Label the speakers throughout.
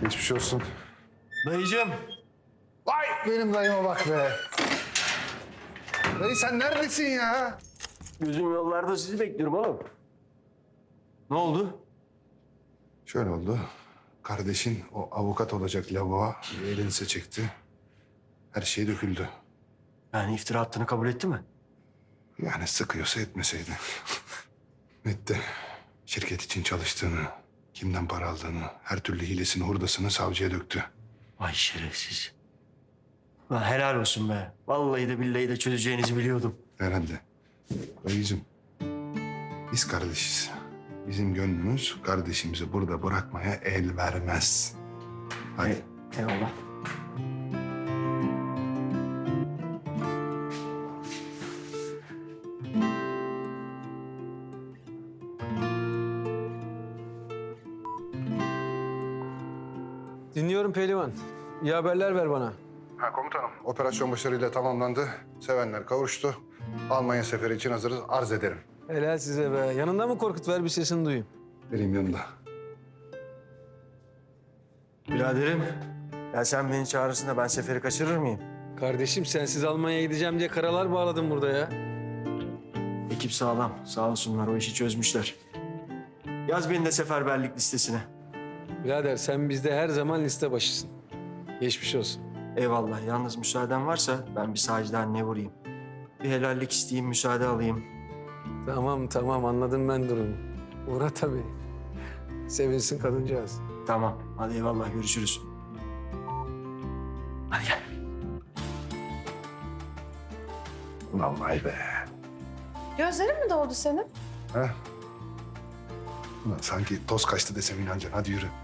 Speaker 1: Geçmiş olsun.
Speaker 2: Dayıcığım.
Speaker 1: Vay benim dayıma bak be. Dayı sen neredesin ya?
Speaker 2: Gözüm yollarda sizi bekliyorum oğlum. Ne oldu?
Speaker 1: Şöyle oldu. Kardeşin o avukat olacak lavuğa elinize çekti. Her şey döküldü.
Speaker 2: Yani iftira attığını kabul etti mi?
Speaker 1: Yani sıkıyorsa etmeseydi. Etti. Şirket için çalıştığını, kimden para aldığını, her türlü hilesini, hurdasını savcıya döktü.
Speaker 2: Vay şerefsiz. Lan helal olsun be. Vallahi de billahi de çözeceğinizi biliyordum.
Speaker 1: Herhalde. Dayıcığım, biz kardeşiz. Bizim gönlümüz kardeşimizi burada bırakmaya el vermez. Hadi.
Speaker 2: Eyvallah.
Speaker 3: Dinliyorum Pehlivan. İyi haberler ver bana.
Speaker 1: Ha komutanım, operasyon başarıyla tamamlandı. Sevenler kavuştu. Almanya seferi için hazırız. Arz ederim.
Speaker 3: Helal size be. Yanında mı Korkut? Ver bir sesini duyayım.
Speaker 1: Benim yanında.
Speaker 2: Biraderim. Ya sen beni çağırırsın da ben seferi kaçırır mıyım?
Speaker 3: Kardeşim sensiz Almanya'ya gideceğim diye karalar bağladım burada ya.
Speaker 2: Ekip sağlam. Sağ olsunlar o işi çözmüşler. Yaz beni de seferberlik listesine.
Speaker 3: Birader sen bizde her zaman liste başısın. Geçmiş olsun.
Speaker 2: Eyvallah. Yalnız müsaaden varsa ben bir sahiden ne vurayım. Bir helallik isteyeyim, müsaade alayım.
Speaker 3: Tamam anladım ben durumu. Uğra tabii. Sevinsin kadıncağız.
Speaker 2: Tamam. Hadi eyvallah. Görüşürüz. Hadi gel.
Speaker 1: Ulan vay be.
Speaker 4: Gözlerin mi doldu senin?
Speaker 1: Ha? Ulan sanki toz kaçtı desem inanacaksın. Hadi yürü.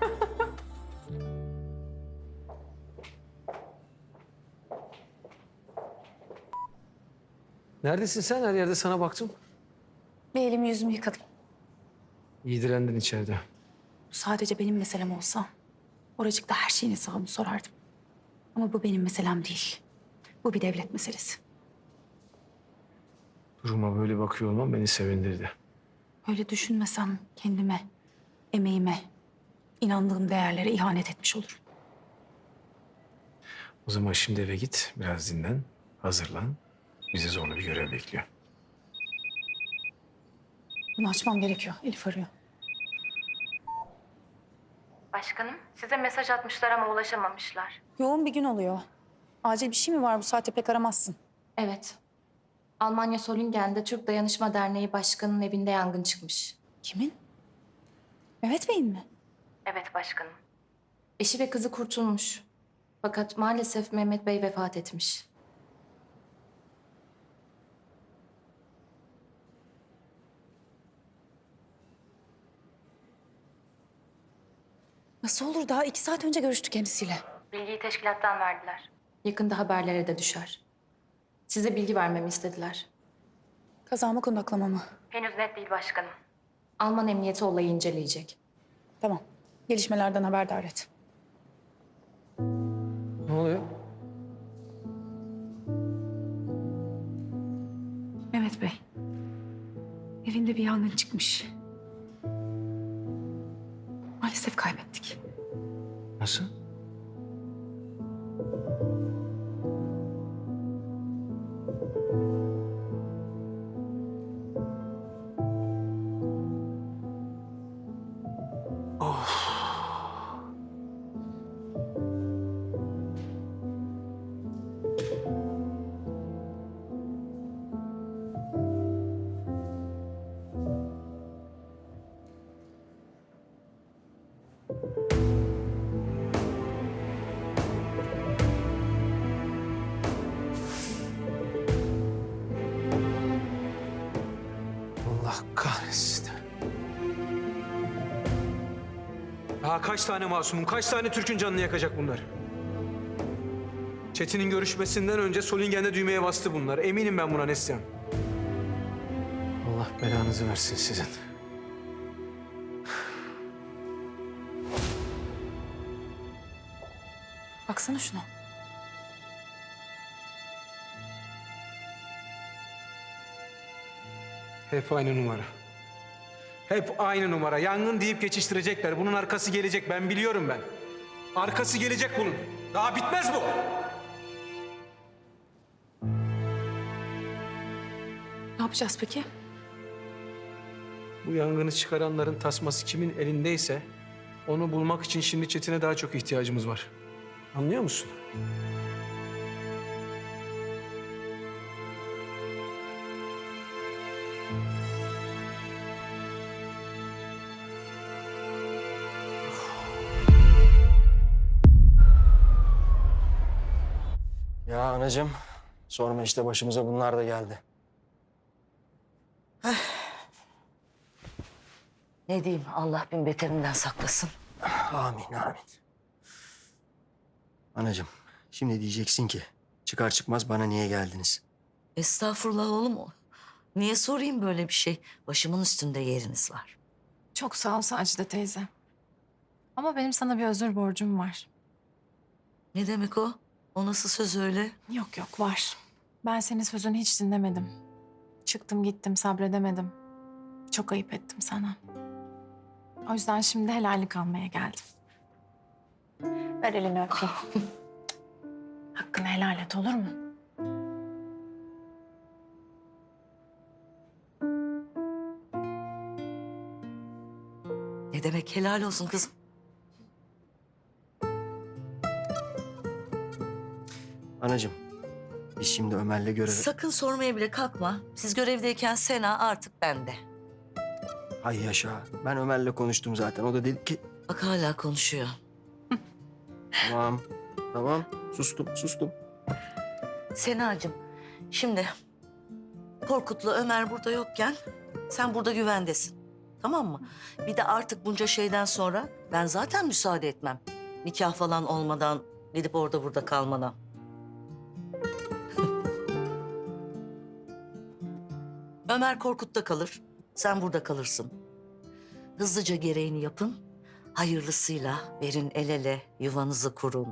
Speaker 3: Neredesin sen? Her yerde sana baktım.
Speaker 4: Bir elimi yüzümü yıkadım.
Speaker 3: İyi direndin içeride.
Speaker 4: Bu sadece benim meselem olsa oracıkta her şeyin hesabını sorardım. Ama bu benim meselem değil. Bu bir devlet meselesi.
Speaker 3: Duruma böyle bakıyor olman beni sevindirdi.
Speaker 4: Öyle düşünmesem kendime, emeğime, inandığım değerlere ihanet etmiş olurum.
Speaker 3: O zaman şimdi eve git, biraz dinlen, hazırlan. Bizi zorlu bir görev bekliyor.
Speaker 4: Bunu açmam gerekiyor. Elif arıyor.
Speaker 5: Başkanım, size mesaj atmışlar ama ulaşamamışlar.
Speaker 4: Yoğun bir gün oluyor. Acil bir şey mi var? Bu saatte pek aramazsın.
Speaker 5: Evet. Almanya Solingen'de Türk Dayanışma Derneği Başkanı'nın evinde yangın çıkmış.
Speaker 4: Kimin? Mehmet Bey'in mi?
Speaker 5: Evet başkanım. Eşi ve kızı kurtulmuş. Fakat maalesef Mehmet Bey vefat etmiş.
Speaker 4: Nasıl olur? Daha 2 saat önce görüştük kendisiyle.
Speaker 5: Bilgiyi teşkilattan verdiler. Yakında haberlere de düşer. Size bilgi vermemi istediler.
Speaker 4: Kazamı kundaklamamı.
Speaker 5: Henüz net değil başkanım. Alman emniyeti olayı inceleyecek.
Speaker 4: Tamam. Gelişmelerden haberdar et.
Speaker 3: Ne oluyor?
Speaker 4: Mehmet Bey. Evinde bir yangın çıkmış. Maalesef kaybettik.
Speaker 3: Nasıl? Allah kahretsin. Ya kaç tane masumun, kaç tane Türk'ün canını yakacak bunlar? Çetin'in görüşmesinden önce Solingen'de düğmeye bastı bunlar. Eminim ben buna Neslihan. Allah belanızı versin sizin.
Speaker 4: Baksana şuna.
Speaker 3: Hep aynı numara. Hep aynı numara. Yangın deyip geçiştirecekler. Bunun arkası gelecek. Ben biliyorum ben. Arkası gelecek bunun. Daha bitmez bu.
Speaker 4: Ne yapacağız peki?
Speaker 3: Bu yangını çıkaranların tasması kimin elindeyse onu bulmak için şimdi Çetin'e daha çok ihtiyacımız var. Anlıyor musun?
Speaker 2: Ya anacığım, sorma işte başımıza bunlar da geldi.
Speaker 6: Ne diyeyim, Allah bin beterinden saklasın.
Speaker 2: Amin, amin. Anacığım, şimdi diyeceksin ki çıkar çıkmaz bana niye geldiniz?
Speaker 6: Estağfurullah oğlum. Niye sorayım böyle bir şey? Başımın üstünde yeriniz var.
Speaker 7: Çok sağ ol Sacide teyze. Ama benim sana bir özür borcum var.
Speaker 6: Ne demek o? O nasıl söz öyle?
Speaker 7: Yok yok var. Ben senin sözünü hiç dinlemedim. Çıktım gittim sabredemedim. Çok ayıp ettim sana. O yüzden şimdi helallik almaya geldim. Ver elini öpeyim. Hakkını helal et olur mu?
Speaker 6: Ne demek helal olsun kızım?
Speaker 2: Anacığım, biz şimdi Ömer'le görev...
Speaker 6: Sakın sormaya bile kalkma. Siz görevdeyken Sena artık bende.
Speaker 2: Ay yaşa, ben Ömer'le konuştum zaten. O da dedi ki...
Speaker 6: Bak hala konuşuyor.
Speaker 2: Tamam, tamam. Sustum.
Speaker 6: Senacığım, şimdi Korkut'la Ömer burada yokken sen burada güvendesin. Tamam mı? Bir de artık bunca şeyden sonra ben zaten müsaade etmem. Nikah falan olmadan gidip orada burada kalmana. Ömer Korkut'ta kalır, sen burada kalırsın. Hızlıca gereğini yapın, hayırlısıyla verin el ele, yuvanızı kurun.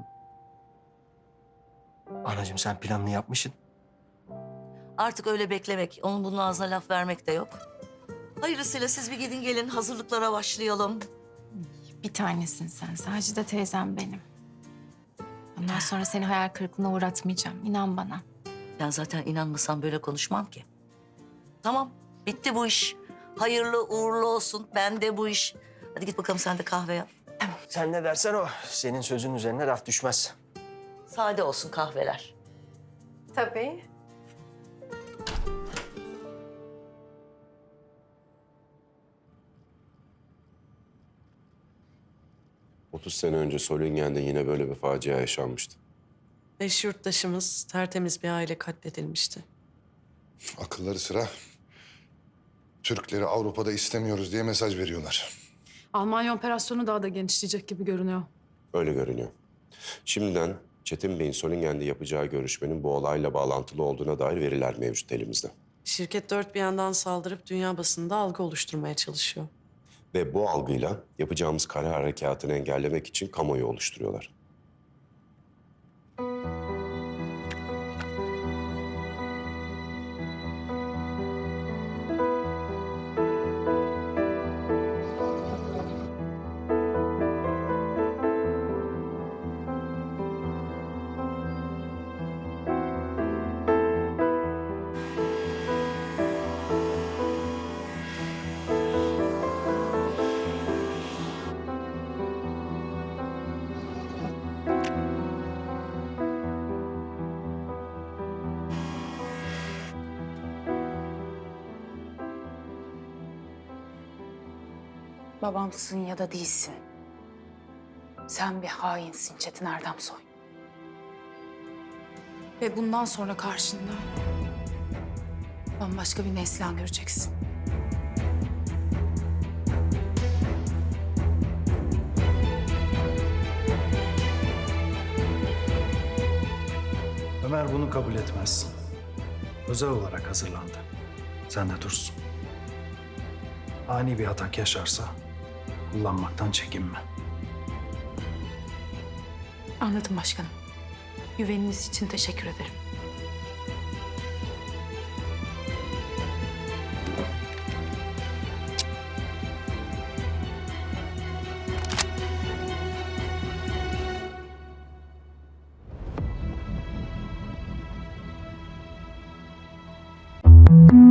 Speaker 2: Anacığım sen planını yapmışsın.
Speaker 6: Artık öyle beklemek, onun bunun ağzına laf vermek de yok. Hayırlısıyla siz bir gidin gelin, hazırlıklara başlayalım.
Speaker 7: Bir tanesin sen. Sacide teyzem benim. Ondan sonra seni hayal kırıklığına uğratmayacağım. İnan bana.
Speaker 6: Ben zaten inanmasam böyle konuşmam ki. Tamam, bitti bu iş. Hayırlı uğurlu olsun, ben de bu iş. Hadi git bakalım sen de kahve yap.
Speaker 2: Sen ne dersen o. Senin sözün üzerine laf düşmez.
Speaker 6: Sade olsun kahveler.
Speaker 7: Tabii.
Speaker 8: 30 sene önce Solingen'de yine böyle bir facia yaşanmıştı.
Speaker 9: 5 yurttaşımız tertemiz bir aile katledilmişti.
Speaker 1: Akılları sıra Türkleri Avrupa'da istemiyoruz diye mesaj veriyorlar.
Speaker 10: Almanya operasyonu daha da genişleyecek gibi görünüyor.
Speaker 8: Öyle görünüyor. Şimdiden Çetin Bey'in Solingen'de yapacağı görüşmenin bu olayla bağlantılı olduğuna dair veriler mevcut elimizde.
Speaker 9: Şirket dört bir yandan saldırıp dünya basında algı oluşturmaya çalışıyor.
Speaker 8: Ve bu algıyla yapacağımız kara harekatını engellemek için kamuoyu oluşturuyorlar.
Speaker 4: Babamsın ya da değilsin. Sen bir hainsin Çetin Erdemsoy. Ve bundan sonra karşında bambaşka bir Neslihan göreceksin.
Speaker 11: Ömer bunu kabul etmez. Özel olarak hazırlandı. Sen de dursun. Ani bir atak yaşarsa kullanmaktan çekinme.
Speaker 4: Anladım başkanım. Güveniniz için teşekkür ederim. Müzik